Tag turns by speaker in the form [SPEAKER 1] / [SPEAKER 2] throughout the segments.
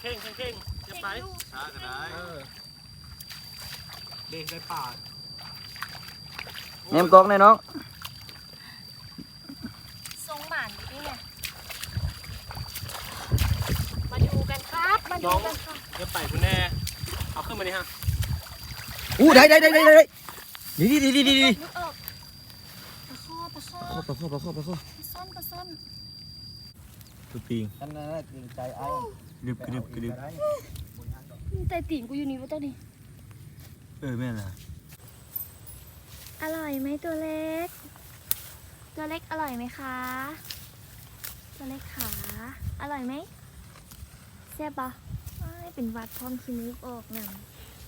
[SPEAKER 1] เข่งจะไปช้าก็ได้เด็กได้ป่า
[SPEAKER 2] เนมกองเลยน้อง
[SPEAKER 3] ทรงหมานนี่ไงมาดูกันครับมาดูกันค่ะ
[SPEAKER 1] จะไปคุณแน่เอาขึ้นมาดิฮะ
[SPEAKER 2] อู้ได้ดี
[SPEAKER 3] นึกออกปลาข้อซ่อน
[SPEAKER 2] ตุปิง
[SPEAKER 4] ท่านน่ะใจไอ้
[SPEAKER 2] กรึบ
[SPEAKER 3] แต่ตีนกูอยู่นี่วะตัวนี้
[SPEAKER 2] แม่น่ะ
[SPEAKER 3] อร่อยไหมตัวเล็กอร่อยไหมคะตัวเล็กขาอร่อยไหมแซ่บปะเป็นวัดพร้อมคินึกออกหนัง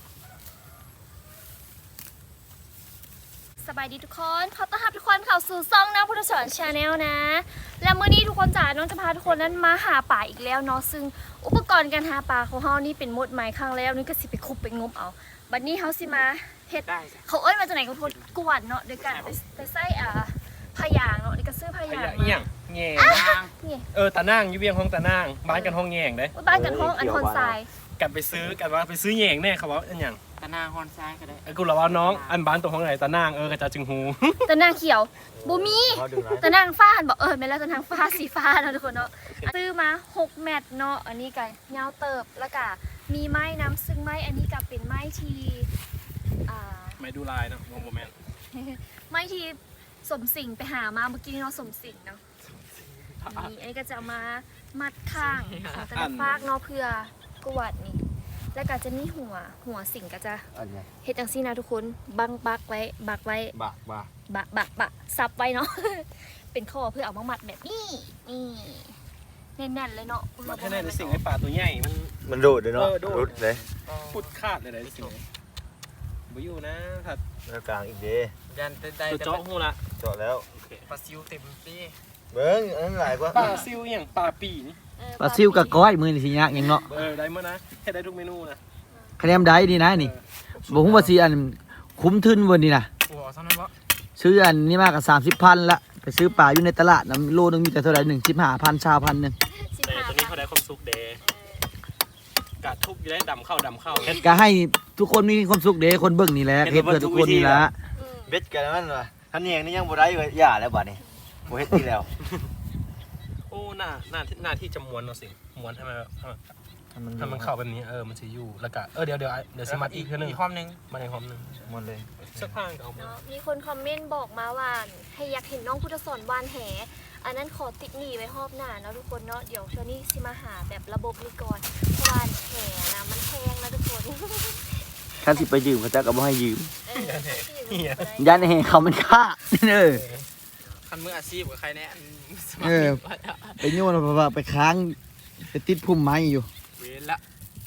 [SPEAKER 3] สบายดีทุกคนขอต้อนรับทุกคนเข้าสู่ซ่องน้ำพุทธสอนชาแนลนะและเมื่อนี้ทุกคนจ๋าน้องจะพาทุกคนนั้นมาหาป่าอีกแล้วเนาะซึ่งอุปกรณ์การหาป่าของเฮานี่เป็นหมดใหม่ครั้งแล้วนี่ก็สิไปคุบไปงมเอาบัดนี้เฮาสิมาเฮ็ดเขามาจากไหนก็ทนกวนเนาะโดยการไปใส่พยางเนาะนี่ก็ซื้อพยาง
[SPEAKER 1] มาแง่ตานั่งอยู่เวียงห้องตานั่งบ้านกันห้องแง่งได้
[SPEAKER 3] บ้านกันห้องอันฮอนทราย
[SPEAKER 1] กันไปซื้อแง่งแน่เขาบอกอันอย่าง
[SPEAKER 4] ตาหน้าฮอนทรายก็ได้
[SPEAKER 1] กูเราว่าน้องอันบ้านตัวห้องไหนตานั่งกระจาจึงหู
[SPEAKER 3] ตานั่งเขียวบูมีตานั่งฟ้าหันบอกไม่แล้วตานั่งฟ้าสีฟ้าเนาะทุกคนเนาะซื้อมา6แมตต์เนาะอันนี้กันยาวเติบแล้วก็มีไม้น้ำซึ่งไม้อันนี้ก็เป็นไม้ที่
[SPEAKER 1] ไม้ดูลายเนาะโมเมนต์
[SPEAKER 3] ไม้ที่สมสิงไปหามาเมื่อกี้เนาะสมสิงเนาะนี่อันนี้ก็จะมามัดข้างของแต่ละฟากเนาะเพื่อกวาดนี่แล้วก็จะมีหัวสิงก็จะเฮ็ดจังซี่นะทุกคนบักไว้ซับไว้เนาะเป็นข้อเพื่อเอามามัดแบบนี้แน่นๆเลยเนาะ
[SPEAKER 1] มัดให้แน่นสิ่งไอ้ป่าตัวใหญ่
[SPEAKER 2] มันโดดเลยเนาะรุดเลย
[SPEAKER 1] พุดขาดเลยสิ่งบ่อยู่นะถัด
[SPEAKER 2] กลางอีกเด้
[SPEAKER 4] ยันได้
[SPEAKER 1] เจาะหูละ
[SPEAKER 2] เจาะแล้ว
[SPEAKER 4] ปลาซิวเต็มที่
[SPEAKER 2] เบิ้งอันนั้นหลายกว่า
[SPEAKER 1] ปลาซิวอย่างปลาปีนี่
[SPEAKER 2] ปลาซิวกับก้อยมือนี่สิยากยังเนาะ
[SPEAKER 1] ได้เมื่อนะแค่ได้ทุกเมนูนะคะ
[SPEAKER 2] แนนได้ดีนะนี่บอกว่าสิอันคุ้มทุนวันนี้นะซื้ออันนี้มากกับ30,000ละไปซื้อปลาอยู่ในตลาดนะโลนึงมีแต่เท่าไหร่15,000 ชาวพันนึง
[SPEAKER 1] แต่ตัวนี้เขาได้ความสุขเดกะทุกได้ดำเข้า
[SPEAKER 2] ก็ให้ทุกคนมีความสุขเด้คนเบิ่งนี่แหละเฮ็ดเพื่อทุกคนนี่ละเบ็ดกันนั่นว่ะท่านเองนี่ยังบ่ได้เลยอย่าแล้วบัดนี้บ่เฮ็ดที่แล้ว
[SPEAKER 1] โอ้หน้าที่จะม้วนเนาะสิม้วนให้มันเข้าแบบนี้มันสิอยู่แล้วก็เดี๋ยวสิมัดอีกนึง
[SPEAKER 4] อีกความนึง
[SPEAKER 1] มาในความนึง
[SPEAKER 2] ม้วนเลย
[SPEAKER 1] สักพักก็เอา
[SPEAKER 3] มีคนคอมเมนต์บอกมาว่าให้อยากเห็นน้องพุทธสอนวานแหอันนั้นขอติดหนีไว้รอบหน้าเนาะทุกคนเนาะเดี๋ยวเช้านี้สิมาหาแบบระบบนี้ก่อนวานแหนะมันแพงนะทุกคน
[SPEAKER 2] คันสิไปยืมเขาจะก็บ่ให้ยืมยันแหเขามันค่า
[SPEAKER 4] คันมืออาชีพกับใครแน่
[SPEAKER 2] ไปโยนไปค้างไปติดพุ่มไม้อยู่
[SPEAKER 4] เวรละ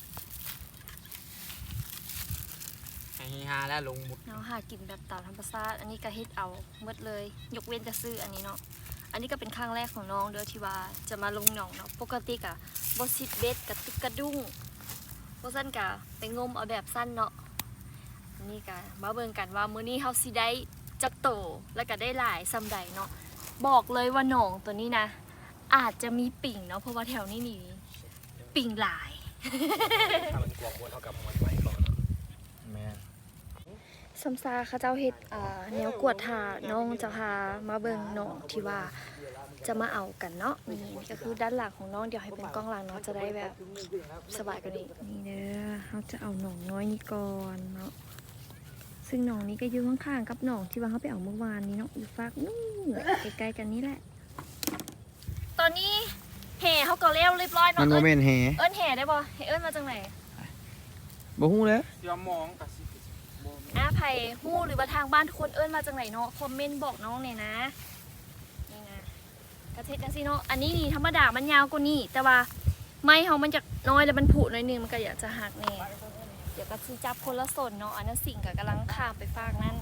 [SPEAKER 4] ฮาแล้วลงหมด
[SPEAKER 3] เนาะหากินแบบตามธรรมชาติอันนี้ก็เฮ็ดเอาหมดเลยยกเว้นจะซื้ออันนี้เนาะอันนี้ก็เป็นครั้งแรกของน้องเด้อที่ว่าจะมาลงหนองเนาะปกติกะบ่ซิดเบ็ดกับตึกกระดุ้งบ่ซั่นกะไปงมเอาแบบสั้นเนาะอันนี้กะมาเบิ่งกันว่ามื้อนี้เฮาสิได้จักโตแล้วก็ได้หลายซ้ำใดเนาะบอกเลยว่าหนองตัวนี้นะอาจจะมีปิ่งเนาะเพราะว่าแถวนี้นี่ปิ่งหลาย
[SPEAKER 1] ถ้ามันกวางวนเท่ากับมันไว้ก่อน
[SPEAKER 2] แม่
[SPEAKER 3] ซัมซาเขาเจ้าเฮ็ดแนวกวดทาน้องจะพามาเบิ่งน้องที่ว่าจะมาเอากันเนาะนี่ก็คือด้านหลังของน้องเดี๋ยวให้เป็นกล้องหลังเนาะจะได้แบบสบายกว่านี้นี่เด้อเขาจะเอาหนองน้อยนี่ก่อนเนาะซึ่งหนองนี้ก็อยู่ข้างๆกับหนองที่ว่าเขาไปเอาเมื่อวานนี้เนาะอยู่ฝากนู่นใกล้ๆกันนี่แหละตอนนี้แห่เขาก็เลี้ยวเรียบร้อยเนาะ
[SPEAKER 2] มันโมเมนต์แห่
[SPEAKER 3] แห่ได้บ่เอิ้นมาจากไหน
[SPEAKER 2] บ่ฮู้เลย
[SPEAKER 4] ยอมมองกับ
[SPEAKER 3] ไผ่ฮู้หรือว่าทางบ้านทุกคนเอิ้นมาจากไหนเนาะคอมเมนต์บอกน้องเนี่ยนะนี่นะกระเทศจังซี่เนาะอันนี้นี่ธรรมดามันยาวกว่านี้แต่ว่าไม้เขามันจะน้อยแล้วมันผุหน่อยนึงมันก็อยากจะหักแน่เดี๋ยวก็สิจับคนละส่วนเนาะอันนั้นสิ่งก็กำลังข้ามไปฝากนั่น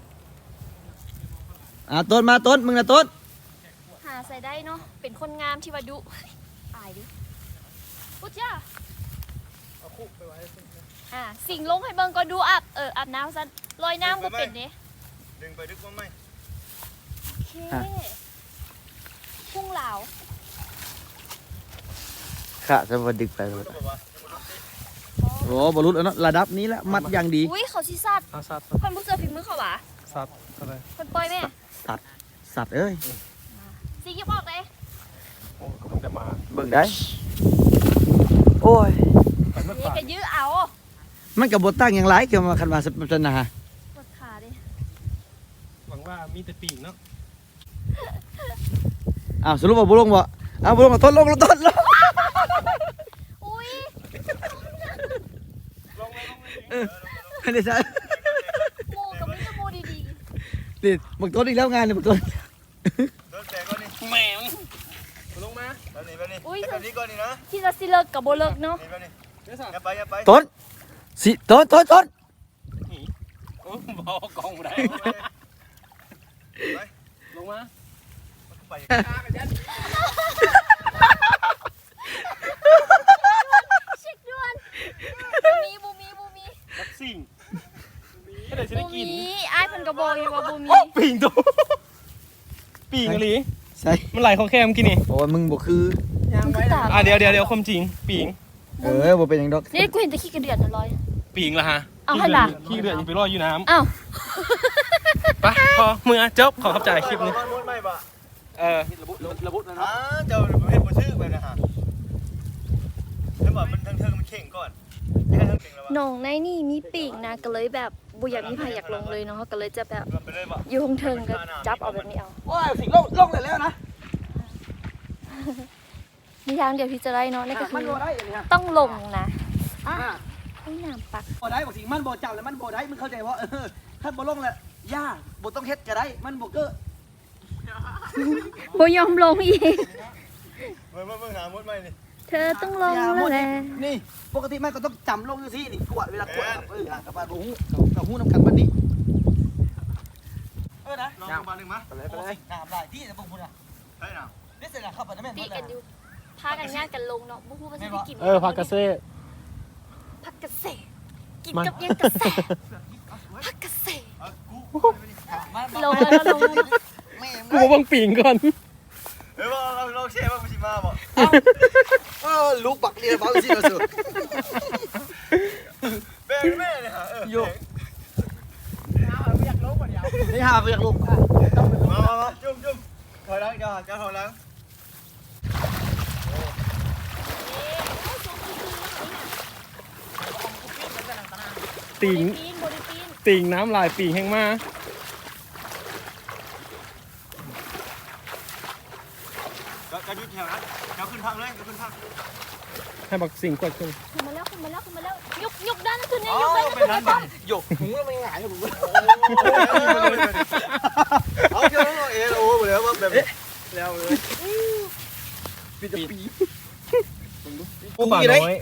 [SPEAKER 2] ต้นมาต้นมึงนะต้น
[SPEAKER 3] หาใส่ได้เนาะเป็นคนงามที่ว่าดุตายดิปุ๊จ้า
[SPEAKER 4] เอาคุกไปไว้
[SPEAKER 3] สิ่งลงให้เบิ่งก็ดูอาบน้ำซะลอยน้ำก็เป็นเนี่ย
[SPEAKER 4] ดึงไปดึกว่าไหม
[SPEAKER 3] โอเคพุ่งเหลา
[SPEAKER 2] ค่ะจะมาดึกไปเลยโอ้บรุษแล้วเนาะระดับนี้แล้วมัดอย่างดี
[SPEAKER 3] อุ้ยเขาสิสัตว์
[SPEAKER 1] เอาสัตว์
[SPEAKER 3] คนผู้เสือฝีมือเขาหวะ
[SPEAKER 1] สัตว์อะไร
[SPEAKER 3] คนปล่อยแม่
[SPEAKER 2] สัตว์เอ้ย
[SPEAKER 3] สิยิบออกเลย
[SPEAKER 1] โอ้ก็เพิ่งแต่มา
[SPEAKER 2] เบิ่งได้ โอ้ย
[SPEAKER 1] ไปเมื่อ
[SPEAKER 3] นี่
[SPEAKER 1] ป่า
[SPEAKER 3] ก็ยื้อเอา
[SPEAKER 2] มันกับบตั้งอย่างไรเกี่ยวมาคันมาสนา
[SPEAKER 3] ปวดขาดิ
[SPEAKER 1] หวังว่ามีแต่ปีกเนาะ
[SPEAKER 2] อ้าวสรุปว่าบุลงบ่อ้าวบุลงมาทดลงทดลง
[SPEAKER 3] อุ้ย
[SPEAKER 2] อันนี้ใช่
[SPEAKER 3] โมกับไม่จะโมดี
[SPEAKER 2] นี่บักต้นอีกแล้วงานนี่บักต้น
[SPEAKER 4] โดนแตกก่อนนี่
[SPEAKER 1] แมวลงมา
[SPEAKER 4] แบบนี้แบบนี้ก่อนนี่นะ
[SPEAKER 3] ๆที่จะสิเลิกกับโบเลิกเนาะ
[SPEAKER 4] นี่แบบนี้
[SPEAKER 1] เดี๋ยวสั่ง
[SPEAKER 4] อย่าไป
[SPEAKER 2] ต้นสิต้น
[SPEAKER 1] โอ้บอกกองได้ลงมา
[SPEAKER 4] ไป
[SPEAKER 3] เช็คด่วนบูมี
[SPEAKER 1] รักสิ่งให้ได้จะได้กิน
[SPEAKER 3] อ้ายเพิ่นกระบอกอยู่ว่าบูมี
[SPEAKER 1] โอ้ปีงตัวปีงอะไร
[SPEAKER 2] ใช่
[SPEAKER 1] มันไหลของแคมกินนี่
[SPEAKER 2] โอ้ยมึงบ่คือ
[SPEAKER 3] มันก็ตาม
[SPEAKER 1] เดี๋ยวความจริงปีง
[SPEAKER 2] บ่เป็นหยังดอก
[SPEAKER 3] นี่กูเห็นแต่ขี้กระเดือนน่ะลอย
[SPEAKER 1] ปีงละฮะ
[SPEAKER 3] เอาให้ล่ะ
[SPEAKER 1] ขี้เดือดยังไปรออยู่น้
[SPEAKER 3] อ้าว
[SPEAKER 1] ำไปพอมือจบขอเข้าใจคลิปนี้
[SPEAKER 4] มุดไม่ปะ
[SPEAKER 1] ระบุนะ
[SPEAKER 4] เจ้าเห็นบ่ชื่อไปนะฮะแล้วบอกมันทั้งมันเข่งก่อนยังไงทั้งเข่งแล้ววะ
[SPEAKER 3] หนองในนี่มีปีกนะก็เลยแบบบุอยากมีพายอยากลงเลยเนาะก็เลยจะแบบ
[SPEAKER 4] ไปเลยปะ
[SPEAKER 3] อยู่เทิงๆก็จับเอาแบบนี้เอา
[SPEAKER 2] โอ้ยสิลงแล้วนะ
[SPEAKER 3] มีทางเดียวที่จะได้เนาะนั่นก็คื
[SPEAKER 2] มัน
[SPEAKER 3] อ
[SPEAKER 2] บ่ได้อันนี้ฮะ
[SPEAKER 3] ต้องลงนะให้น้ำปัก
[SPEAKER 2] บ่ได้บอกสิมันบ่จับแล้วมันบ่ได้มึงเข้าใจว่าถ้าบ่ลงแล้วย่าบ่ต้องเฮ็ดก็ได้มันบ่เก้อ
[SPEAKER 3] บ่ยอมลงอีก
[SPEAKER 4] เมื่อหามุดไม่นี่
[SPEAKER 3] เธอต้องลงแล้วแหละ
[SPEAKER 2] นี่ปกติมันก็ต้องจำลงอยู่สินี่กวดเวลากวดกับบ้านบ่ฮู้กับฮู้นำกันบัดนี้นะ
[SPEAKER 4] ลองมาหนึ่งมั้ย
[SPEAKER 2] ไปเลยน้ำลายที่จะบ่พูดอ่ะ
[SPEAKER 4] ใช่น่ะ
[SPEAKER 2] นี่เสร็จแล้วเข้าไปนะแม่
[SPEAKER 3] ตีกันอยู่พากันญาติกันลงเนาะบ่ฮู้ว่าสิไปกิน
[SPEAKER 1] พากาเซ่
[SPEAKER 3] ผักกระเสกินกับยังกระแสผักกระเสลงแล้วลงแล้ว
[SPEAKER 1] กูมาบังปีงก่อน
[SPEAKER 4] ว่าเราเชื่อว่ากูชิมาบ่
[SPEAKER 2] ลูกปักเรียนบ้าสิเราสุด
[SPEAKER 4] แม่เลยฮะ
[SPEAKER 2] โยนี่หาไปอยากลงมา
[SPEAKER 4] จุ่มถอยหลังจะถอยหลัง
[SPEAKER 1] ติง
[SPEAKER 3] บริปีน
[SPEAKER 1] ติงน้ำลายปีงแห้งมา
[SPEAKER 4] ก็ยุดแถวนั้นแถวขึ้นทางเลยขึ้นทาง
[SPEAKER 1] ให้บักสิ่งกดขึ้น
[SPEAKER 3] ขึ้นมาแล้วยกด้านนั้นขึ้นเนี่ยยกด้านนั้นขึ้นเนี่ย
[SPEAKER 2] หยกหูแล้วไม่หงายผม
[SPEAKER 4] เอาเจ้าโอ้แล้วว่าแบบแล้วเลย
[SPEAKER 2] ปีจะปี
[SPEAKER 1] กูป่าน้อย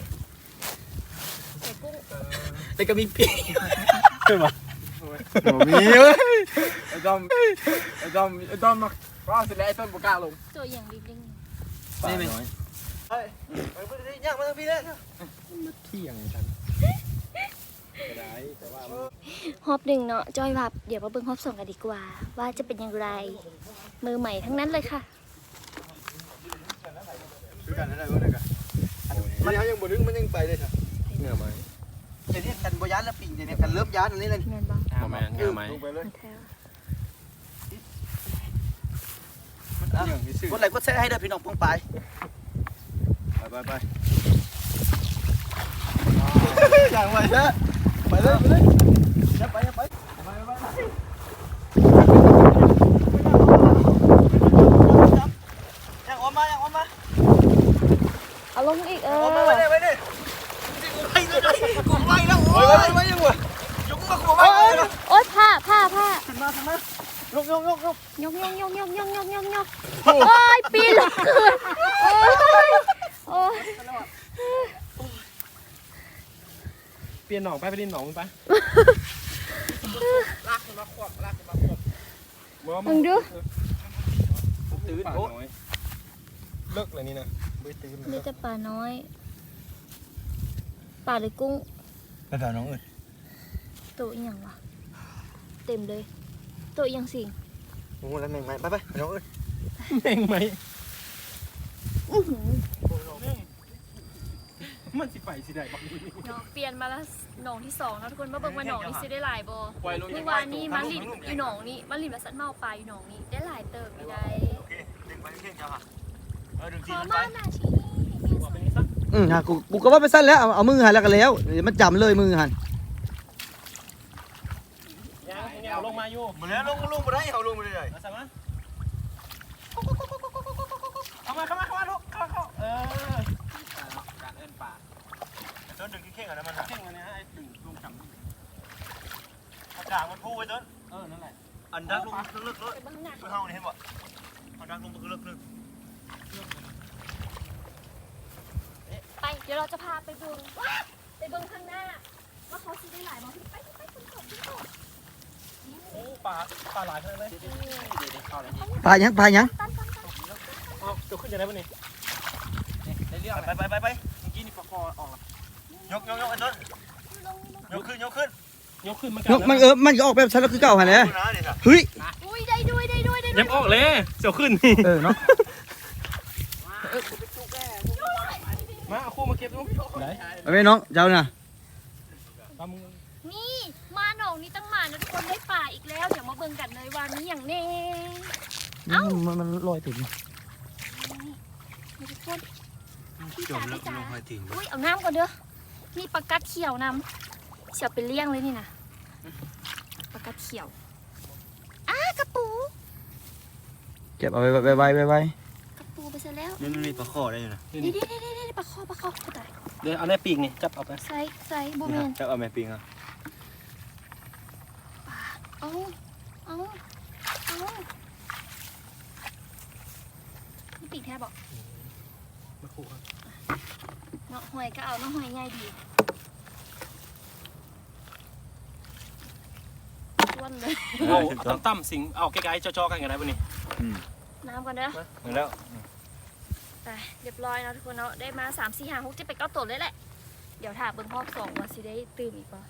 [SPEAKER 2] แต่ก็มีปี
[SPEAKER 1] ใช่ปะ
[SPEAKER 2] มีเว้ย
[SPEAKER 4] ไอ้ดอมมาว่าเสร็จแล้วไอ้ต้นบุกล้าลง
[SPEAKER 3] ตัวอย่างดิ้ง
[SPEAKER 2] ป่าน้อย
[SPEAKER 4] เฮ้ยไปย่างมาทางพี่เลย
[SPEAKER 1] เที่ยงกันได้แต่ว่า
[SPEAKER 3] ฮอบหนึ่งเนาะจอยแบบเดี๋ยวมาเบิ่งฮอบสองกันดีกว่า ว่าจะเป็นอย่างไร มือใหม่ทั้งนั้นเลยค่ะ
[SPEAKER 4] ดูกันได้ด้วยกันมันยังบ่ดึงมันยังไปเลยค่ะ
[SPEAKER 1] เนื้อไหม
[SPEAKER 2] เดี๋ยวนี้กันบ่ยานแล้วปิ่งเดี๋ยวนี้กันเริ่มยานอันนี้เลย
[SPEAKER 3] แมนบ้าง
[SPEAKER 1] ประมาณเนื้อไหม
[SPEAKER 4] ลงไปเลย
[SPEAKER 3] แท้
[SPEAKER 2] กดไลค์กดแชร์ให้เด้อพี่น้องปองไป
[SPEAKER 4] ไปอย่างไรเด้อไปเลยอย่าไปยังออกมา
[SPEAKER 3] เอาลงอีก
[SPEAKER 4] ออกมาไปดิไปเลยกูไปแล้วโอ้ยไปยังวะยกมากูไป
[SPEAKER 3] โอ๊ยผ้า
[SPEAKER 4] ขึ้นมายก
[SPEAKER 3] ยกโอ้ยปีนลงคืนโอ้ย
[SPEAKER 1] เปลี่ยนหนองไปดินหนองไป
[SPEAKER 3] มึงดู
[SPEAKER 2] ตื่น
[SPEAKER 1] ป่า
[SPEAKER 2] โอ้
[SPEAKER 1] น้อยเลิกเลยนี่นะไม่ตื่น
[SPEAKER 3] มีแต่ปลาน้อยปลาหรือกุ้ง
[SPEAKER 2] ไปแถวน้องอื่น
[SPEAKER 3] ตัวอีหยังวะเต็มเลยตัวอีหยังสิง
[SPEAKER 2] โอ้แล้วแม่งไหมไปน้องอื่น
[SPEAKER 1] แม่งไหม
[SPEAKER 3] อื้อหือ
[SPEAKER 1] มันสิไปสิได้บักนี้
[SPEAKER 3] เนาะเปลี่ยนมาแล้วหนองที่2เนาะทุกคนมาเบิ่งว่าหนองนี้สิได้หลายบ่
[SPEAKER 1] ปล่อยลง
[SPEAKER 3] เมื่อวานนี้มาลินอยู่หนองนี้มาลินมาสันเมาปลาอยู่หนองนี้ได้หลายเติบไม่ได้
[SPEAKER 4] โอเคดึงไปเข่งเจ้าค่ะดึง
[SPEAKER 3] ข
[SPEAKER 4] จี
[SPEAKER 3] อน
[SPEAKER 4] ไป
[SPEAKER 3] มาหน้าที่นี่
[SPEAKER 1] บอกไปนี่ซะ
[SPEAKER 2] ฮะกูก็ว่าไปสั้นแล้วเอามือหันแล้วกันแล้วเดี๋ยวมันจำเลยมือหัน
[SPEAKER 1] ยังเอาลงมาอยู่
[SPEAKER 4] มาแล้วลงมาได้เอาลงมาได้
[SPEAKER 1] มาซะมาเข้ามาลูกเข้าการเอิ้นป่า
[SPEAKER 4] ต้นดึงเข่งอะไรมัน
[SPEAKER 1] เข่งอันนี้ไอ้ดึงลงจัง
[SPEAKER 4] อากาศมันพูไว้ต้น
[SPEAKER 1] นั่นแหละ
[SPEAKER 4] อันดักลงลึกๆเลย
[SPEAKER 3] ไปเบิ่งหน้า
[SPEAKER 4] คือเฮานี่เห็นบ่อันดักลงลึกๆนึง
[SPEAKER 3] ไปเดี๋ยวเราจะพาไปเบิ่งไปเบิ่งข้างหน้าว่าเขาสิได้หลายบ่ไปขึ้นเขา
[SPEAKER 1] โอ้ป่าหลายขนาดเลยเข้าเลย
[SPEAKER 2] ปลายัง
[SPEAKER 1] เอาจะขึ้นยังไงวะนี่ได้เรื่อง
[SPEAKER 4] ไป
[SPEAKER 1] เมื่อกี้นี่ปลาคอออก
[SPEAKER 4] ยกไอ้ต้นยกขึ้น
[SPEAKER 1] ยกขึ้น
[SPEAKER 2] ยกมันก็ออกแบบฉันแล้วคือเก่าหันเลยเฮ้ย
[SPEAKER 3] อุ้ยได้ด้วย
[SPEAKER 1] ยังออกเลยเสียวขึ้น
[SPEAKER 2] เนาะ
[SPEAKER 1] มาเอาคู่มาเก็บดูไหน
[SPEAKER 2] เอาไปน้องเจ้าน่ะ
[SPEAKER 1] ปลามึง
[SPEAKER 3] นี่มาหนองนี้ตั้งมานะทุกคนได้ป่าอีกแล้วเดี๋ยวมาเบิ่งกันเลยว่ามีอย่างแน่
[SPEAKER 2] มันลอยถึง
[SPEAKER 3] นี่ทุกคนพี่จ๋าพี่จ๋า
[SPEAKER 4] ถึง
[SPEAKER 3] อุ้ยเอาน้ำก่อนเด้อนี่ปลากัดเขียวนำเสียวเป็นเลี้ยงเลยนี่นะปลากัดเขียวกระปู
[SPEAKER 2] เก็บเอาไว้
[SPEAKER 3] กระปูไปซะแล้ว
[SPEAKER 4] นี่มีปลาข้อได้อยู่นะ
[SPEAKER 3] นี่ปลาคอตาย
[SPEAKER 1] เดี๋ยวเอาได้ปีกนี่จับเอาไป
[SPEAKER 3] ใส่บูเมน
[SPEAKER 4] จะเอาแม่ปิงอ่ะ
[SPEAKER 3] เอานี่ปีกแทบบอก
[SPEAKER 1] มาคู่ครับ
[SPEAKER 3] เนาะหอยก็เอาเนาะหอยง่ายดีล้วนเลย
[SPEAKER 1] เอาตั้มสิงเอาใกล้ๆจ่อๆกันกันได้ปะนี่
[SPEAKER 3] น้ำก่อนเด้อ
[SPEAKER 4] แล้ว
[SPEAKER 3] ไปเรียบร้อยเนาะทุกคนเนาะได้มา3 4 5 6 7 8 9ตัวเลยแหละเดี๋ยวถ้าเบิ่งรอบ2ว่าสิได้ตื่นอีกป่ะ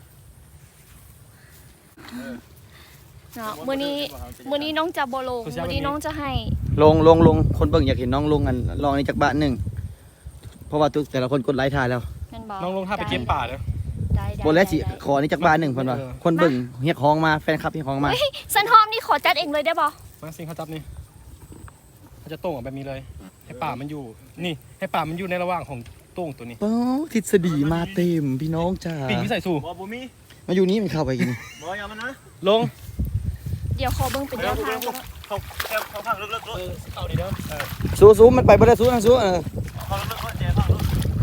[SPEAKER 3] เนาะมื้อนี้น้องจะบ่ลงมื้อนี้น้องจะให้
[SPEAKER 2] ลงคนเบิ่งอยากเห็นน้องลงกันลองนี่จากบ้านหนึ่งเพราะว่าทุกแต่ละคนกดไลค์ถ่ายแล้ว
[SPEAKER 3] แม่นบ่
[SPEAKER 1] น้องลงท่าไปเก็บป่าเด้อ
[SPEAKER 3] ได้
[SPEAKER 2] บนแล้วสิขอนี่จากบ้านหนึ่งเพิ่นว่าคนเบิ่งเฮียกฮ้องมาแฟนคลับเฮียกฮ้องมา
[SPEAKER 3] สันหอมนี่ขอจัดเองเลยได้บ่
[SPEAKER 1] มาสิงเขาจับนี่เขาจะโต้งออกแบบนี้เลยให้ป่ามันอยู่นี่ให้ป่ามันอยู่ในระหว่างของโต้งตัวนี้
[SPEAKER 2] ป๊ทฤษฎีมาเต็มพี่น้องจ้า
[SPEAKER 1] ปีกวิสัยสู่
[SPEAKER 4] บ่บ่มี
[SPEAKER 2] มาอยู่นี่มันเข้าไปกิน
[SPEAKER 4] บ่อย่ามันนะ
[SPEAKER 1] ลง
[SPEAKER 3] เดี๋ยวขอเบิ่งเป็นแนวทางก่อน
[SPEAKER 4] เขาพังลึกๆด้วย
[SPEAKER 1] เอาดีเด้อ
[SPEAKER 2] สู้มันไปบ่ได้สู้นะสู้
[SPEAKER 4] เขาลึกๆแจพังลึก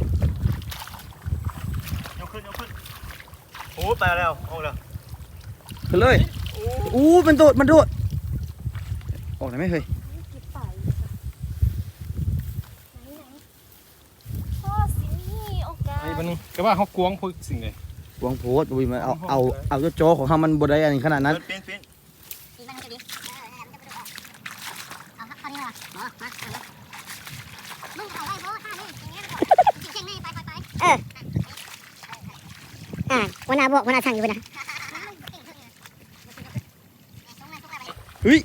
[SPEAKER 4] ยกขึ้นโอ้ไปแล้วเอาแล้ว
[SPEAKER 2] ขึ้นเลยอู้มันโดดออกได้ไหมเฮ้ย
[SPEAKER 3] เก็บป่าอยู่ค่ะไหนพ่อสินี่โอกาส
[SPEAKER 1] ไอ้บันนี้ก็ว่าเขากวงพวกสิ่งเลย
[SPEAKER 2] หวงโพสต์อุ้ยมันเอาเจ้าโจของเฮามันบ่ได้อันนี้ขนาดนั้น
[SPEAKER 4] ปิ้น
[SPEAKER 5] อีกมันจะดีเอาครับพอดีว่ะมามึงเอาได้โบ้ท่านี่อย่างเงี้ยเก่งนี่ไปวันนาบอกวันนาสั่งอยู่นะ
[SPEAKER 2] เฮ้ย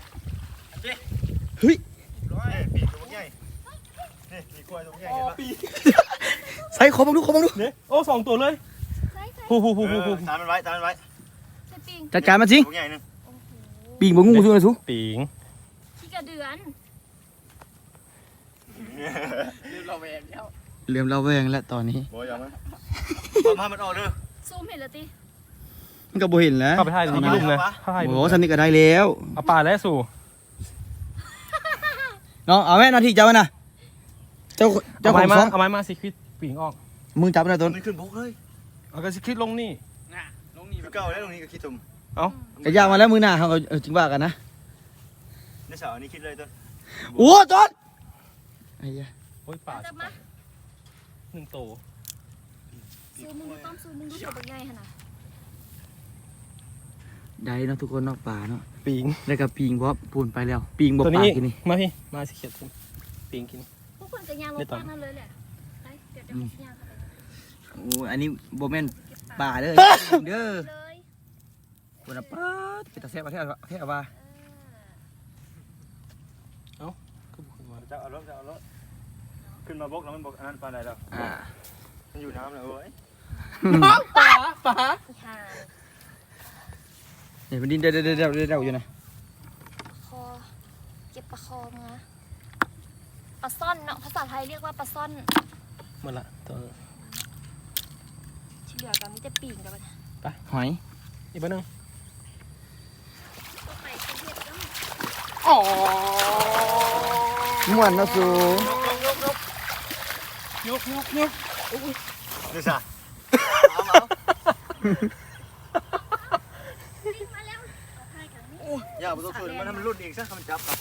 [SPEAKER 4] ร้อยปีกตัวใหญ่นี่ปีกล้วยตัวใหญ่เห็นปะ
[SPEAKER 2] ใส่ขอบังดู
[SPEAKER 1] เนี่ยโอ้2 ตัวเลย
[SPEAKER 3] ใส่
[SPEAKER 1] ฮู
[SPEAKER 4] ตามมันไว้
[SPEAKER 3] ใส่ปิง
[SPEAKER 2] จัดการมันสิ
[SPEAKER 4] ตัวใหญ่นึง
[SPEAKER 3] โอ้โห
[SPEAKER 2] ปีงบ่งูสู้นะสู้
[SPEAKER 1] ปีง
[SPEAKER 3] ขี้กระเดือน
[SPEAKER 2] เริ่มระแวงแล้วตอนนี้
[SPEAKER 4] บ่อย่ามันพามันออกเด้อ
[SPEAKER 3] ซูมเห็นแล้วติ
[SPEAKER 2] มันก็บ่เห็นแล้ว
[SPEAKER 1] เข้าไปถ่ายในลุ่มเลยถ่าย
[SPEAKER 2] โอ้สันนี่ก็ได้แล้ว
[SPEAKER 1] เอาป่าแล้วสู่
[SPEAKER 2] น้องเอาแม่นาทีเจ้าน่ะเจ้าของซอง
[SPEAKER 1] เอาไม้มาสิคิดปีงออก
[SPEAKER 2] มึงจับนะต้น
[SPEAKER 4] มันขึ้นบกเลย
[SPEAKER 1] เอาก็สิคิดลงนี่
[SPEAKER 4] คือเก่าแล้วตรงนี้ก็คิดตุ่ม
[SPEAKER 2] กระยามาแล้วมือหน้าเขาก็จริงว่ากันนะ
[SPEAKER 4] ในเสาอันนี้คิดเลยต้น
[SPEAKER 2] โอ้ต้นไอ้ยะ
[SPEAKER 1] โอ้ยป่า
[SPEAKER 3] จับมา
[SPEAKER 1] 1 ตัว
[SPEAKER 3] ซูมมึงดูต้อมซูมมึงดูตัวเป็นไงขนาด
[SPEAKER 2] ได้เนาะทุกคนเนาะป่าเนาะ
[SPEAKER 1] ปีง
[SPEAKER 2] แล้วก็ปีงบ่ปูนไปแล้วปีงบ่
[SPEAKER 1] ตัว
[SPEAKER 2] ป่า
[SPEAKER 1] นี้
[SPEAKER 2] กินนี่
[SPEAKER 1] มาพี่มาสิเขียดปีงกิน
[SPEAKER 3] พวกคนจะย่างรถป้านั่นเลยแหละไปเดี๋ยวจะย่างเข้าไป
[SPEAKER 2] โอ้อันนี้บ่แม่น
[SPEAKER 3] เก็บ
[SPEAKER 2] ป่าเด้อเด้อ
[SPEAKER 3] เลย
[SPEAKER 2] คนน่ะป้าเป็นตาแซ่บประเทศว่า
[SPEAKER 4] จะเอารถขึ้นมาบกแล้วมันบกอันนั้นปลาใดแล้ว
[SPEAKER 2] อ่า
[SPEAKER 4] มันอยู่น้ำเลยเว้ย
[SPEAKER 1] น้องป๋า
[SPEAKER 3] อีห่า
[SPEAKER 2] เนี่ยมันดินเดาอยู่นะ
[SPEAKER 3] คอเก็บปลาคอมาปลาซ่อนเนาะภาษาไทยเรียกว่าปลาซ่อน
[SPEAKER 1] หมดละตัว
[SPEAKER 3] ที่เหลือก็มีแต่ปีกกับมัน
[SPEAKER 2] หอย
[SPEAKER 1] อีกบ้านนึง
[SPEAKER 3] ตัวใหม่เป็นเห็ดเนาะ
[SPEAKER 1] อ๋อ
[SPEAKER 2] ม่วนเนาะสู
[SPEAKER 1] ยก
[SPEAKER 4] ดูสิ
[SPEAKER 3] วิ่งมาแล้วเอาให้กันนี่
[SPEAKER 4] อย่าไปตัวคืนมันรุ่นอีกซะมันจับครับ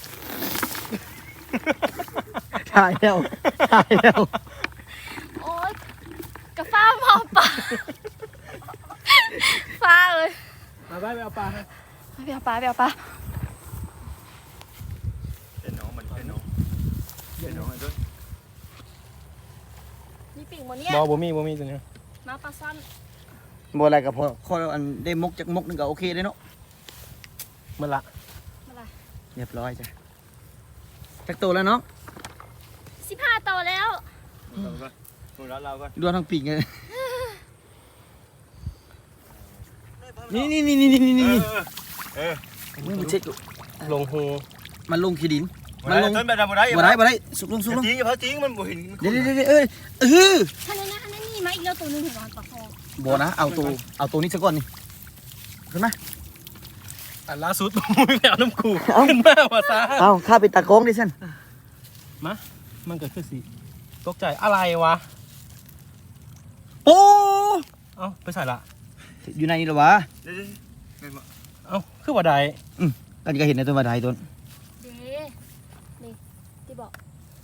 [SPEAKER 2] ถ่ายแล้ว
[SPEAKER 3] โอ๊ยกระฟ้าหมอปลาฟ้าเลย
[SPEAKER 1] มาไปเอาปลา
[SPEAKER 3] ไปเอาปลาไปเอาปลา
[SPEAKER 4] เป็นน้องมันเป็นน้องไอ้ต้น
[SPEAKER 3] มีปีกหมดเนี่ย
[SPEAKER 1] บ่มีตัวนี้
[SPEAKER 3] มาปลาซ่อน
[SPEAKER 2] บ่อะไรก็พอข้ออันได้มกจากมกนึงก็โอเคเลยเนาะ
[SPEAKER 1] หมดละ
[SPEAKER 3] อะไร
[SPEAKER 2] เรียบร้อยจ้ะจักโตแล้วเนาะ
[SPEAKER 3] 15 ตัวแล้ว
[SPEAKER 4] เราก็หนูรัดเราก็
[SPEAKER 2] ดวงทั้งปีกเลย นี่ มึงไปเช็คดู
[SPEAKER 1] ลงหู
[SPEAKER 2] มันลงขี้ดิน
[SPEAKER 4] มันลงต้นแบบบ่ได้
[SPEAKER 2] บ่ได้สุกลง
[SPEAKER 4] จริงเพราะจริงมันบ่เห็น
[SPEAKER 2] เดี๋ยวเอ้ย
[SPEAKER 3] ท่านนั้นนี่มาอีกแล้วตัวหนึงเห็นไหมปลาคอ
[SPEAKER 2] บ่นะเอาตัวนี้ซะก่อนนี่ขึ้นมา
[SPEAKER 1] อันล่าสุดมึงไปเอาน้ำคูขึ้นมาว่าซะ
[SPEAKER 2] เอาข้าไปตากล้องดิฉัน
[SPEAKER 1] มันเกิดขึ้นสิตกใจอะไรวะ
[SPEAKER 2] โอ้
[SPEAKER 1] เอ้าไปใส่ละ
[SPEAKER 2] อยู่ในนี่เหรอวะ
[SPEAKER 4] เดี๋ยว
[SPEAKER 1] เอ้าคือว่าใด
[SPEAKER 2] กันก็เห็นในตัวมาไทยต้น
[SPEAKER 3] เด้นี่ที่บอก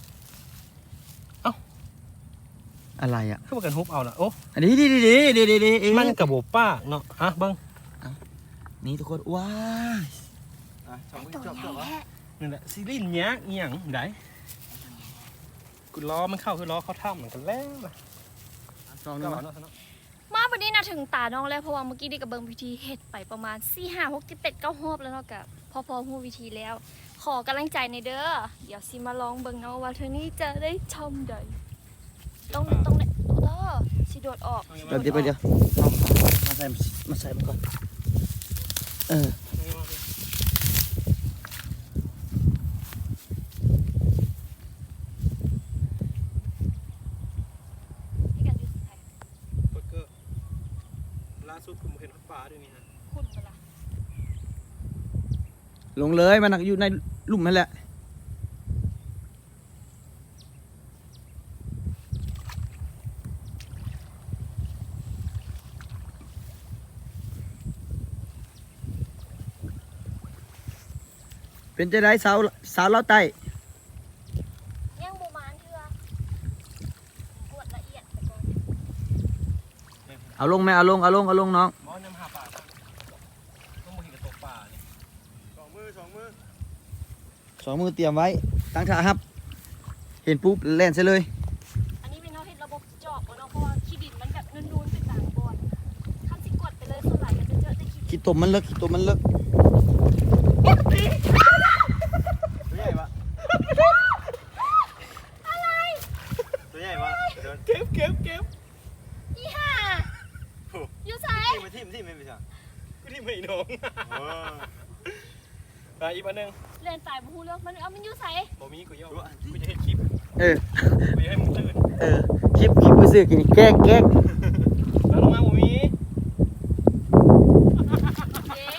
[SPEAKER 2] อะไรอ่ะ
[SPEAKER 1] คือว่ากันฮุบเอาละโอ้
[SPEAKER 2] อันนี้ดี
[SPEAKER 1] มันกระโบป้ากเนาะฮะเบิ้ง
[SPEAKER 2] นี่ทุกคนว้าย
[SPEAKER 4] สองมือ
[SPEAKER 3] ตัว
[SPEAKER 4] จบ
[SPEAKER 3] ใหญ่
[SPEAKER 4] วะ
[SPEAKER 3] แฮะ
[SPEAKER 1] นี่แหละซีรีส์เนี้ยเอียงไดกูล้อมันเข้าคือล้อเข้าถ้ำเหมือนกันแล้วนะ
[SPEAKER 2] ลองดู
[SPEAKER 1] ก็
[SPEAKER 2] มา
[SPEAKER 1] เนาะเนาะ
[SPEAKER 3] มาวันนี้นะถึงตาน้องแล้วเพราะว่าเมื่อกี้ได้กับเบิงพิธีเฮ็ดไปประมาณ4 5 6 7 8 9 รอบแล้วเนาะกับพอฮู้วิธีแล้ว ขอกำลังใจในเด้อเดี๋ยวสิมาลองเบิ่งเนาะว่าเธอนี้จะได้ชมใดต้องได้โอ้สิโดดออก
[SPEAKER 2] เดี๋ยวมาใส่มันก่อน
[SPEAKER 3] ให้กันอยู่สุดท้าย
[SPEAKER 1] เบอร์เกอร์ล่าสุดผมเห็นปลาด้วยนี่ฮะ
[SPEAKER 3] คุณเปะล่า
[SPEAKER 2] ลงเลยมันอยู่ในหลุมนั่นแหละเป็นจะได้สาวเล่าไต้
[SPEAKER 3] ยังบูมานเถื่อกวดละเอียดไปก่อน
[SPEAKER 2] เอาลงไหมเอาลงน้อง
[SPEAKER 1] มอนยำหาปลาต้องมาเห็นกับตกปลาเนี่ย
[SPEAKER 4] สองมือ
[SPEAKER 2] สองมือเตรียมไว้ตั้งท่าครับ เห็นปุ๊บแล่นใส่เลย
[SPEAKER 3] อันนี้เป็นเขาเฮ็ดระบบเจาะบ่เนาะเพราะว่าขี้ดินมันแบบนูนๆเป็นต่างบอนคันสิกดไปเลยส่วนหลายก็จะเจอแต่ขี้ดิน
[SPEAKER 2] ขี้ตมมันเลิก
[SPEAKER 4] ตัวใหญ่ปะตัวใหญ่ปะเดิน
[SPEAKER 1] เก็บ
[SPEAKER 3] อีห่าอยู่ไส
[SPEAKER 4] ที่ไม่ไปจ้ะ
[SPEAKER 1] กูที่ไม่น้องไปอีกอันหนึง
[SPEAKER 3] เล่นตายบ่ฮู้เรื่องมันมันอยู่ไส
[SPEAKER 1] บ่มีกูย่อกูจะเห็นคลิป
[SPEAKER 2] เออ
[SPEAKER 1] กูจะให้มึงตื่น
[SPEAKER 2] คลิปไปซื้อกินแกล้ง
[SPEAKER 1] แล้วลงมาบ่มี
[SPEAKER 3] เอ๊ะ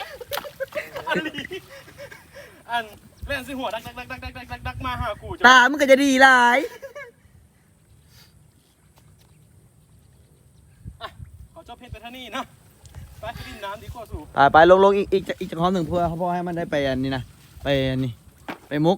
[SPEAKER 1] อันเล่นสิหัวดักมาหากู
[SPEAKER 2] ตามันก็จะดีหลาย
[SPEAKER 1] ขอจบเพชรไปท่านี่นะไปดินน้ำดีกว่าสู่
[SPEAKER 2] ไปลงอีกจากห้องหนึ่งเพื่อเขาพ่อให้มันได้ไปอันนี้นะไปอันนี้ไปมุก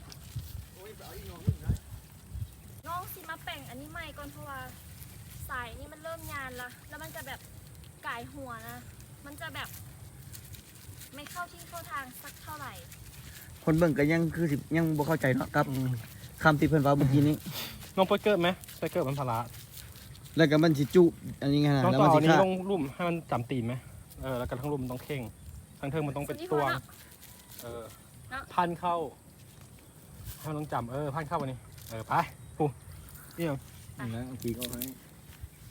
[SPEAKER 3] น้องสิมาแป่งอันนี้ใหม่ก่อนเพราะว่าสายนี่มันเริ่มยานละแล้วมันจะแบบก่ายหัวนะ มันจะแบบ ไม่เข้าที่เข้าทางสักเท่าไหร่
[SPEAKER 2] คนเบิ่งก็ยังคือสิยังบ่เข้าใจเนาะครับคำที่เพิ่นว่าเมื่อกี้นี้
[SPEAKER 1] น้องไปเกิดไหมไปเกิดมันพลา
[SPEAKER 2] แล้วก็มันสิจุอันนี้ไงนะ
[SPEAKER 1] น้อง
[SPEAKER 2] แล้ว
[SPEAKER 1] ต่
[SPEAKER 2] มัน
[SPEAKER 1] อ
[SPEAKER 2] สิ
[SPEAKER 1] นี้
[SPEAKER 2] ฆ่า
[SPEAKER 1] ลงลุ่มให้มันจำตีนไหมแล้วก็ทั้งลุ่มต้องเข่งทั้งเทิงมันต้องเป็นตวงพันเข้าให้มันต้องจำพันเข้าวันนี้ไปปูเอี่ยง
[SPEAKER 2] นะปีก็ให้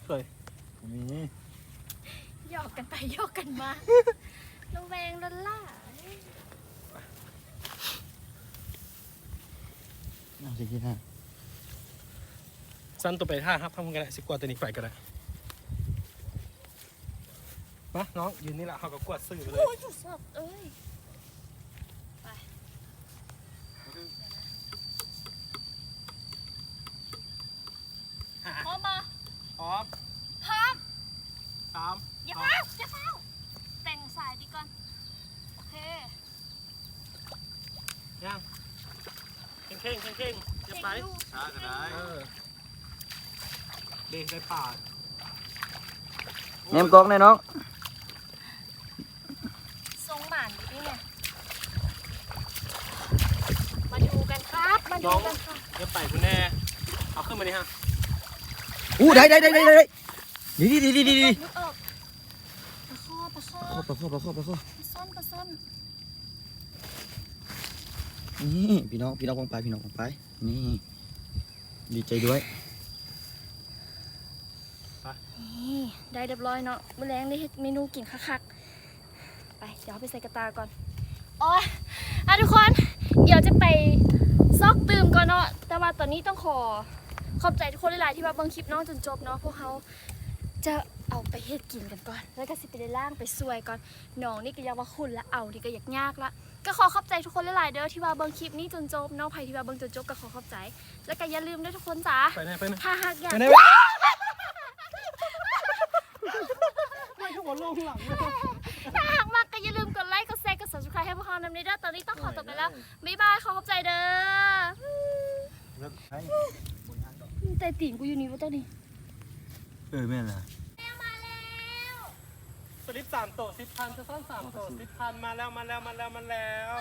[SPEAKER 1] เคย
[SPEAKER 4] มี
[SPEAKER 3] หยอกกันไปหยอกกันมาระแวงลันล่า
[SPEAKER 2] เอาสิกินฮะ
[SPEAKER 1] สั้นตัวไปท่าครับทำกันได้สิกว่าตัวนี้ไปก็ได้มาน้องยืนนี่แหละเขาก็กวาดสื่อไปเลย
[SPEAKER 3] โอ้ยจุดสดเอ้ยไปพร้อมปะ
[SPEAKER 1] พร้อม
[SPEAKER 3] พร้อม
[SPEAKER 1] 3
[SPEAKER 3] อย่าเฝ้าอย่าเฝ้าแต่งสายดีก่อนโอเค
[SPEAKER 1] ยังเข่งจะไป
[SPEAKER 3] เก่งอยู่
[SPEAKER 4] ช้าก็ได้
[SPEAKER 1] เด็กได้ป่า
[SPEAKER 2] แหนมกล้องแน่น้อง
[SPEAKER 3] ทรงหมานอยู่นี่ไงมาดูกันครับมาดูกันค่ะ
[SPEAKER 1] จะไปคุณแน่เอาขึ้นมาดิฮะ
[SPEAKER 2] อู้ได้ดี
[SPEAKER 3] นึกออกปลาข้อ
[SPEAKER 2] ปลาข้อ
[SPEAKER 3] ปลาซ่อน
[SPEAKER 2] นี่พี่น้องวางไปนี่ดีใจด้วย
[SPEAKER 3] นี่ได้เรียบร้อยเนาะมื้อแรงได้เฮ็ดเมนูกินคักๆไปเดี๋ยวเอาไปใส่กระตาก่อนอ๋อทุกคนเดี๋ยวจะไปซอกตื่มก่อนเนาะแต่ว่าตอนนี้ต้องขอบใจทุกคนหลายๆที่มาเบิ่งคลิปน้องจนจบเนาะพวกเขาจะเอาไปเฮ็ดกินกันก่อนแล้วก็สิไปได้ล่างไปซวยก่อนน้องนี่ก็อยากว่าคุณละเอานี่ก็อยากยากละก็ขอขอบใจทุกคนหลายๆเด้อที่มาเบิ่งคลิปนี้จนจบเนาะใครที่มาเบิ่งจนจบก็ขอขอบใจแล้วก็อย่าลืมด้วยทุกคนจ้า
[SPEAKER 1] ไปไหน
[SPEAKER 3] ถ้าหากอยาก
[SPEAKER 1] ไปไหนไม่ทุกคนลงหลังเลย
[SPEAKER 3] ถ้าหากมากก็อย่าลืมกดไลค์กดแชร์กด subscribe ให้พวกเรานำในด้านตอนนี้ต้องขอตัวไปแล้วบ๊ายบายขอขอบใจเด้อ
[SPEAKER 4] แล้วให้
[SPEAKER 3] แต่ตีนกูอยู่นี่วะเจ้านี่
[SPEAKER 2] แม่นล่ะ
[SPEAKER 1] สลิป3โต10,000จะซ่อน3โต10,000มาแล้ว
[SPEAKER 3] มาแล้วคนทางไหนเนาะ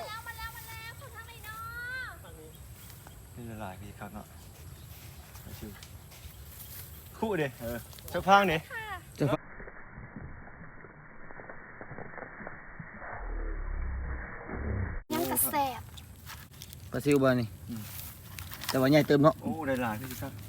[SPEAKER 4] นี่ละลายพี่ครับเนาะชิวคู่เด้ชักพังเด้
[SPEAKER 3] ยังกระแสบ
[SPEAKER 2] ปลาซิวบ่นี่แต่ว่าใหญ่เติมเนาะ
[SPEAKER 4] โอ้ได้หลายพี่ครับ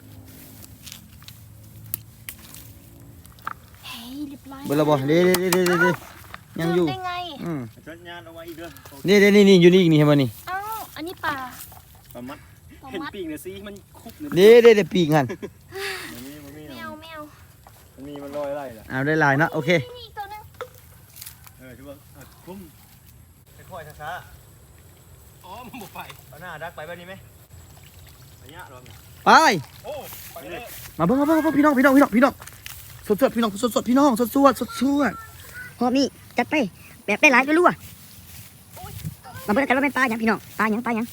[SPEAKER 3] เฮ้ยเรียบร้อย
[SPEAKER 2] เบิ่งและบ่เด้ยังอยู่
[SPEAKER 3] ได้ไง
[SPEAKER 4] จัดงานเอาไว้อีกเด้อ
[SPEAKER 2] นี่อยู่นี่อีกนี่เห็นบ่นี่
[SPEAKER 3] อ้าวอันนี้ปลา
[SPEAKER 4] ประมัด
[SPEAKER 3] ปลา
[SPEAKER 1] เห็น
[SPEAKER 3] มัด
[SPEAKER 1] ปีกเนี่ยสิมันคุบเลย
[SPEAKER 2] เด้ปีกหัน
[SPEAKER 4] มันมี
[SPEAKER 3] ไม่เอา
[SPEAKER 4] มันลอยอะไรล่ะ
[SPEAKER 2] เอาได้หลายเนาะโอเค
[SPEAKER 3] นี่อีกตัวนึง
[SPEAKER 4] ถือว่าคุ้มค่อยๆช้า
[SPEAKER 1] อ๋อมันบุกไป
[SPEAKER 4] ๆเอาหน้าดักไปแบบนี้ไหมระยะรอ
[SPEAKER 2] ไป
[SPEAKER 1] โอ้ไปเลย
[SPEAKER 2] มาเบิ่งพี่น้องสดพี่น้องสดพี่น้องสด
[SPEAKER 5] หอบนี่จัดไปแบบได้หลายก็รู้อ่ะมาเบิ่งกันว่าเป็นปลาหยังพี่น้องปลาหยัง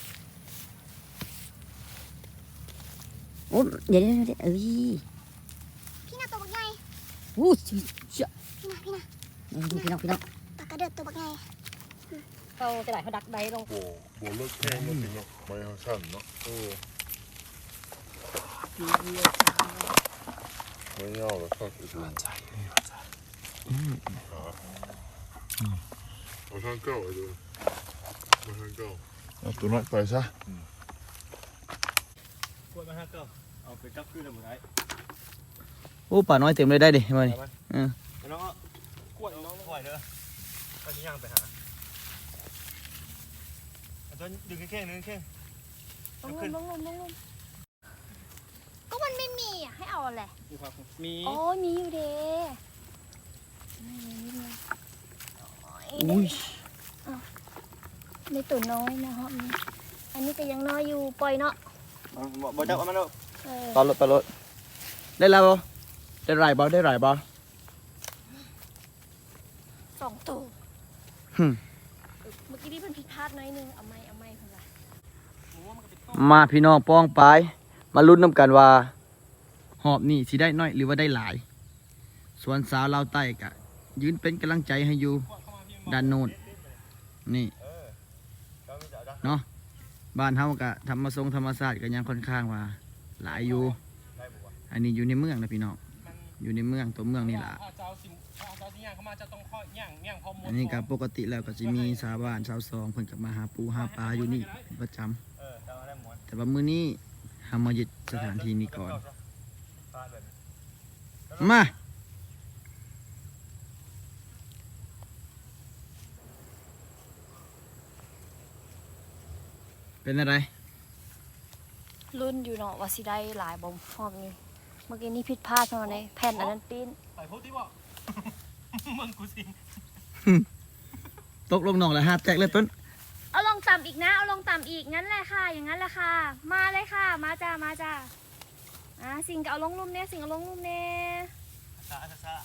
[SPEAKER 5] โอ้เดี๋ยวเอ้ยพี่น่าตัวบักใหญ่โอ้เชี่ยพี่น้องปลากระเดือดตัวบักใหญ่เขาจะไหลเขาดักใบลง
[SPEAKER 6] บ่เลิกแข่งแล้วสิเนาะไม่เอาสั้นเนาะไม่เอาแล้วครับอีกแล้วเอาทางเก้าไอ้ดูมาทางเก้าเอาตัวน้อยไปซะ
[SPEAKER 4] กดมา5 9เอาไปจับขึ้นเลยหมดไอ้
[SPEAKER 2] โอ้ป่าน้อยเต็มเลยได้ดิมานี่
[SPEAKER 4] น้องกวดน้องค่อยเด้อไปที่ย่างไปหาอาจารย์ดึงแค่นึงแค่
[SPEAKER 3] ลงก็มันไม่มีอ่ะให้เอาอะไร
[SPEAKER 1] มี
[SPEAKER 3] อ๋อมีอยู่เด้
[SPEAKER 2] อุ้ย
[SPEAKER 3] ในตัวน้อยนะฮะอันนี้ก็ยังน้อยอยู่ปล่อยเนาะ
[SPEAKER 4] บ่จับเอามันเอา
[SPEAKER 2] ปลารถได้แล้วบ่ได้หลายบ่
[SPEAKER 3] 2 ตัว
[SPEAKER 2] หึ
[SPEAKER 3] เมื่อกี้ที่เพิ่นผิดพลาดหน่อยนึงเอาไม่เพิ่นว่า
[SPEAKER 2] มาพี่น้องป้องปายมาลุ้นน้ำกันว่าหอบนี่สิได้น้อยหรือว่าได้หลายส่วนสาวลาวใต้กะยืนเป็นกำลังใจให้อยู่ด้านโน้นนี่เนาะบ้านเฮากะธรรมศาสตร์ก็ยังค่อนข้างว่าหลายอยู่อันนี้อยู่ในเมืองนะพี่น้องอยู่ในเมืองตัวเมืองนี่ล่ะ
[SPEAKER 1] เจ้าสิย่างเข้ามาจะต้องข้อย่างพอหมด
[SPEAKER 2] อันนี้ก็ปกติแล้วก็จะมีชาวบ้านชาวซองเพิ่นก็มาหาปูหาปลาอยู่นี่เป็นประจำแต่ว่ามื้อนี้เฮามายึดสถานที่นี้ก่อนมาเป็นอะไร
[SPEAKER 3] รุ่นอยู่เนาะว่าสิได้หลายบ่พร้อมนี่เมื่อกี้นี่ผิดพลาดมาในแผ่นอันนั้นปิ้น
[SPEAKER 1] ไปพูดที่บอก มึงกูสิ
[SPEAKER 2] ตกลงหนองแล้ว5แจกเลยต้น
[SPEAKER 3] เอาลงต่ำอีกนะเอาลงต่ำอีกงั้นแหละค่ะอย่างนั้นแหละค่ะมาเลยค่ะมาจ้ามาจ้าสิงก็เอาลงลุ่มเนี่ยสิงเอาลงลุ่มเนี่ย
[SPEAKER 4] ซา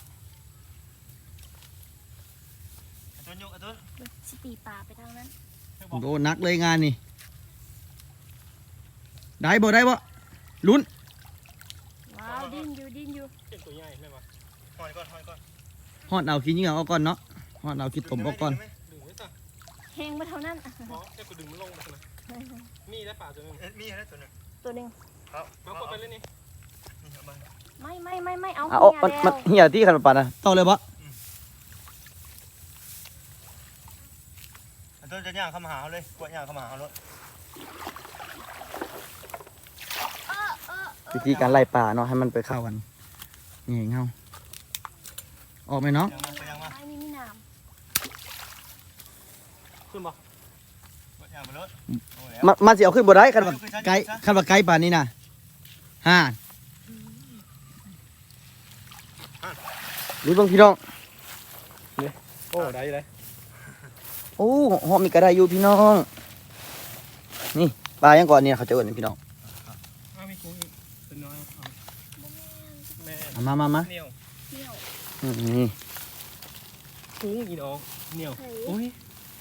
[SPEAKER 4] ต้นยกต้น
[SPEAKER 3] สิตีปลาไปทางนั้น
[SPEAKER 2] โดนนักเลยงานนี่ได้บ่ลุ้น
[SPEAKER 3] ว้าวดิ้นอยู่
[SPEAKER 1] เป็นตัวใหญ่ไหมวะ
[SPEAKER 4] หอยก่อน
[SPEAKER 2] ฮอดเอาขี้เหงื่อเอาก่อนเนาะฮอดเอาขี้ตมเอาก่อน
[SPEAKER 1] ดึงไว้จ้ะ
[SPEAKER 3] เฮงมาเท่านั้น
[SPEAKER 1] หมอแค่กูดึงมันลงมาใช่ไหมมีได้ป่าตัวนึง
[SPEAKER 4] มีอะไรตัวนึง
[SPEAKER 3] ตัวหนึ่ง
[SPEAKER 4] ครับ
[SPEAKER 1] เอากดไปเลยนี่
[SPEAKER 3] ไม่เอา
[SPEAKER 2] เอา
[SPEAKER 3] เหี้ย
[SPEAKER 2] มัน
[SPEAKER 3] แล้ว
[SPEAKER 2] เหี่ยที่ขันปันนะต่อเลยบ่
[SPEAKER 4] ต้นจะย่างเข้ามาหาเขาเลยกวดย่างเข้ามาหาเขาเลย
[SPEAKER 2] วิธีการไล่ปลาเนาะให้มันไปเข้ากันนี่เงาออกไหมเนาะ
[SPEAKER 4] ย่างมา
[SPEAKER 3] ไอ้นี่มีน้
[SPEAKER 1] ขึ้นบ่
[SPEAKER 4] กวดย่างไปเลย
[SPEAKER 2] มันสิเอาขึ้นบ่ได้คันว่าไกลคันว่าไกลป่านนี้นะรู้บ้างพี่น้อง
[SPEAKER 1] โอ้ได้เลย
[SPEAKER 2] โอ้หอมมีกระไดอยู่พี่น้องนี่ปลายังก่อนเนี่ยเขาจะเอิ้นพี่น้อง
[SPEAKER 1] มีกุ้งอีกเป็นน้อยแม่
[SPEAKER 2] เอามา
[SPEAKER 1] เหนียว
[SPEAKER 3] ำเที่ยว
[SPEAKER 2] นี่
[SPEAKER 1] กุ้งอีดอกเหนียวโอ้ย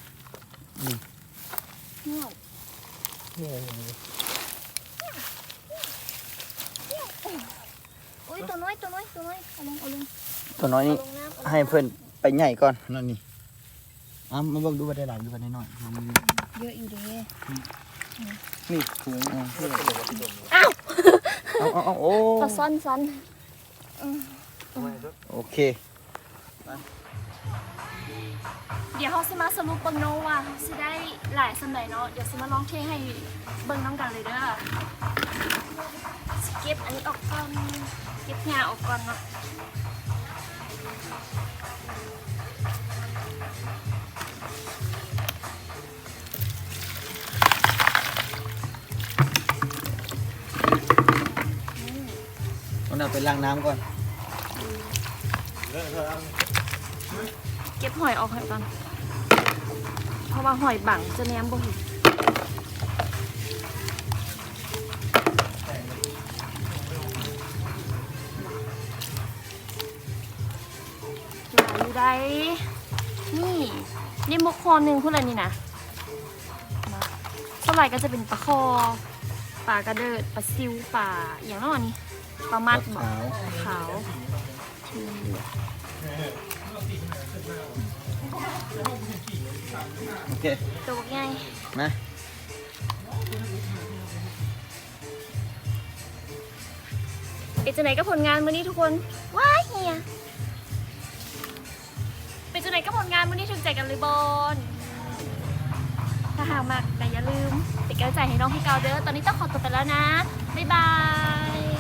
[SPEAKER 3] เที่ยว
[SPEAKER 1] เหนียว
[SPEAKER 3] โอ้ยตัวน้อยเอาลง
[SPEAKER 2] ตัวน้อยนี่
[SPEAKER 3] เอาลงน้ำ
[SPEAKER 2] ให้เพื่อนไปใหญ่ก่อนนั่นนี่มาเบิ่งดูว่าได้หลายดูว่าได้น้อย
[SPEAKER 3] เยอะอยู่เด้
[SPEAKER 2] นี่ถุง
[SPEAKER 3] อ้าว
[SPEAKER 2] เอาโอ้
[SPEAKER 3] ปลาซ้อน
[SPEAKER 2] โอเค
[SPEAKER 3] เดี๋ยวเขาสิมาสรุปเบิ่งเนาะว่าเขาสิได้หลายสำใดเนาะเดี๋ยวสิมาลองเทให้เบิ่งน้ำกันเลยเด้อสิเก็บอันนี้ออกก่อนเก็บหญ้าออกก่อนเนาะ
[SPEAKER 2] มันเอาไปล้างน้ำก่อน
[SPEAKER 3] เก็บหอยออกให้ก่อนเพราะว่าหอยบังจะแนมบ่เห็นหลายอยู่ได้นี่นี่มุกคอหนึ่งพูดอะไรนี่นะส่วนใหญ่ก็จะเป็นปลาคอปลากระเดิดปลาซิวปลาอย่างนั้นนี่ปลามัดบอกขาวที่เหลือ
[SPEAKER 2] โอเค
[SPEAKER 3] ตัวบักใหญ่
[SPEAKER 2] มา
[SPEAKER 3] เป็นจังไหนกับผลงานมื้อนี้ทุกคนว้ายเฮียเป็นจังไหนกับผลงานมื้อนี้ถึงใจกันเลยบอลถ้าหากมากแต่อย่าลืมเป็นกำลังใจให้น้องพี่เกาเด้อตอนนี้ต้องขอตัวไปแล้วนะบ๊ายบาย